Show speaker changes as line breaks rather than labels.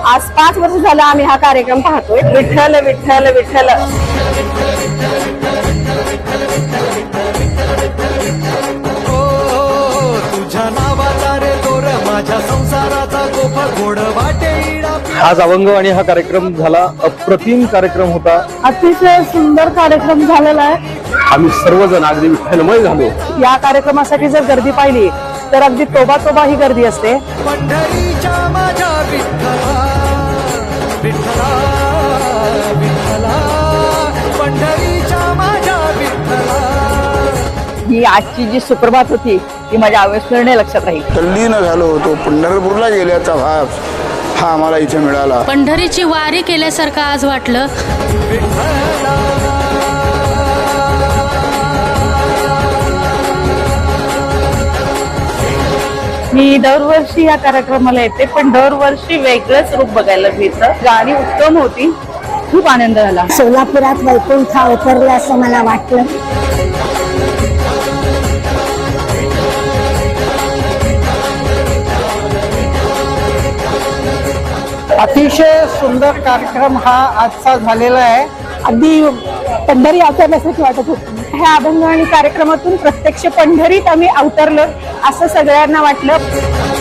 आज 5 वर्ष झालं आम्ही हा कार्यक्रम पाहतोय. विठ्ठल विठ्ठल विठ्ठल.
तुझ्या नावाचा रे तोर माझ्या संसाराचा गोप गोड वाटे.
आज अभंगवाणी हा कार्यक्रम झाला. अप्रतिम कार्यक्रम होता.
अतिशय सुंदर कार्यक्रम झालेला आहे.
आम्ही सर्वजण अगदी विठ्ठलमय झालो.
या कार्यक्रमासाठी जर गर्दी पाहिली तर अगदी तोबा ही गर्दी असते.
पंढरीच्या माझ्या विठ्ठला विठ्ठला विठ्ठला पंढरीच्या माझ्या विठ्ठला.
ही आजची जी सुप्रभात होती ती माझ्या अविस्मरणीय लक्षात राहील.
तल्लीन झालो होतो. पंढरपूरला गेल्याचा भाग हा आम्हाला इथे मिळाला.
पंढरीची वारी केल्यासारखं आज वाटलं.
मी दरवर्षी या कार्यक्रमाला येते, पण दरवर्षी वेगळंच रूप बघायला मिळतं. गाणी उत्तम होती. खूप आनंद झाला.
सोलापुरात वैकुंठ अवतरलं असं मला वाटलं.
अतिशय सुंदर कार्यक्रम हा आजचा झालेला आहे. अगदी पंढरी अवतरल्यासारखी वाटत होती. ह्या अभंगवाणी कार्यक्रमातून प्रत्यक्ष पंढरीत आम्ही अवतरलो असं सगळ्यांना वाटलं.